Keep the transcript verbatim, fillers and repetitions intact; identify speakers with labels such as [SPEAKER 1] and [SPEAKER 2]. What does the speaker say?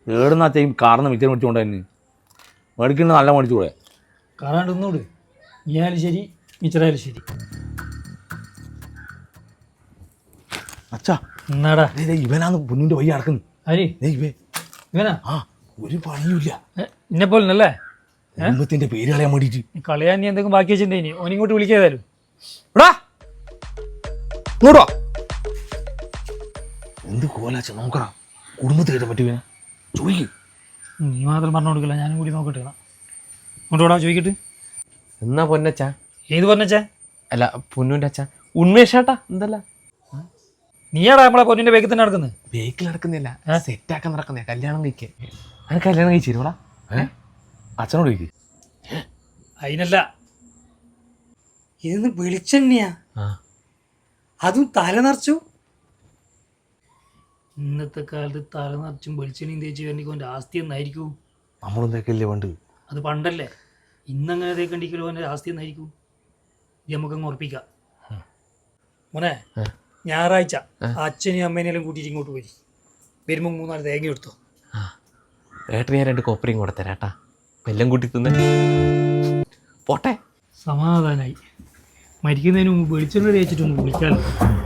[SPEAKER 1] ഏടുന്നാച്ചയും കാർന്ന് മിച്ചം മേടിച്ചുകൊണ്ട് തന്നെ മേടിക്കുന്നത് നല്ല മേടിച്ചുകൂടെ?
[SPEAKER 2] കാറാണ്ട് ഒന്നുകൂട്, നീയായാലും ശരി മിച്ചറായാലും ശരി.
[SPEAKER 1] അച്ഛാ
[SPEAKER 2] എന്നാടാ
[SPEAKER 1] ഇവനാന്ന് പൊന്നിൻ്റെ വഴി നടക്കുന്നു.
[SPEAKER 2] ആര്
[SPEAKER 1] ഇവേ
[SPEAKER 2] ഇവനാ?
[SPEAKER 1] ആ ഒരു പണിയുമില്ല.
[SPEAKER 2] എന്നെ പോലല്ലേ
[SPEAKER 1] കുടുംബത്തിന്റെ പേര് കളയാൻ വേണ്ടിട്ട്.
[SPEAKER 2] കളയാൻ നീ എന്തെങ്കിലും ബാക്കി വെച്ചിട്ടുണ്ടേനി ഓനിങ്ങോട്ട് വിളിക്കാതായാലും.
[SPEAKER 1] എടാ ഇങ്ങോട്ടോ. എന്ത് കോലാച്ച നോക്കടാ, കുടുംബത്തിൽ കയറ്റാൻ പറ്റും ചോദിക്കും.
[SPEAKER 2] നീ മാത്രം പറഞ്ഞു കൊടുക്കില്ല, ഞാനും കൂടി നോക്കട്ടെ. ഇങ്ങോട്ടോടാ ചോദിക്കട്ട്.
[SPEAKER 3] എന്നാ പൊന്നച്ചാ?
[SPEAKER 2] ഏത് പറഞ്ഞച്ചാ?
[SPEAKER 3] അല്ല പൊന്നൂൻ്റെ അച്ഛാ, ഉന്മേഷാട്ടാ. എന്തല്ല
[SPEAKER 2] നീയാടാ നമ്മളെ പൊന്നിന്റെ വേഗത്തിൽ തന്നെ നടക്കുന്നത്?
[SPEAKER 3] ബേക്കിൽ നടക്കുന്നില്ല, സെറ്റാക്കാൻ നടക്കുന്നേ. കല്യാണം കഴിക്കേ. അങ്ങനെ കല്യാണം കഴിച്ചിരുവടാ?
[SPEAKER 1] ഏ അച്ഛനോട് ചോദിക്കും.
[SPEAKER 2] അതിനല്ല, ഇതൊന്ന് വെളിച്ചെണ്ണയാ, അതും തല നിറച്ചു. ഇന്നത്തെ കാലത്ത് തല നിറച്ചും വെളിച്ചെണ്ണയും തേച്ച് വേണ്ടിക്കോൻ്റെ ആസ്തി എന്നായിരിക്കും.
[SPEAKER 1] നമ്മളെന്തൊക്കെയല്ലേ വേണ്ട?
[SPEAKER 2] അത് പണ്ടല്ലേ, ഇന്നങ്ങനെ തേക്കണ്ടിക്കലോ എൻ്റെ ആസ്തി എന്നായിരിക്കും. ഇത് നമുക്കങ്ങ് ഉറപ്പിക്കാം. മോനെ, ഞായറാഴ്ച അച്ഛനെയും അമ്മേനെല്ലാം കൂട്ടിയിട്ട് ഇങ്ങോട്ട് പോയി വരുമ്പോൾ മൂന്നാല് തേങ്ങ എടുത്തോ.
[SPEAKER 3] ഏട്ടന് ഞാൻ രണ്ട് കോപ്പറിയും കൂടെ തരാട്ടാ, എല്ലാം കൂട്ടി തിന്നെ പോട്ടെ.
[SPEAKER 2] സമാധാനായി. മരിക്കുന്നതിന് മുമ്പ് വെളിച്ചെണ്ണ തേച്ചിട്ടൊന്ന് വിളിക്കാമല്ലോ.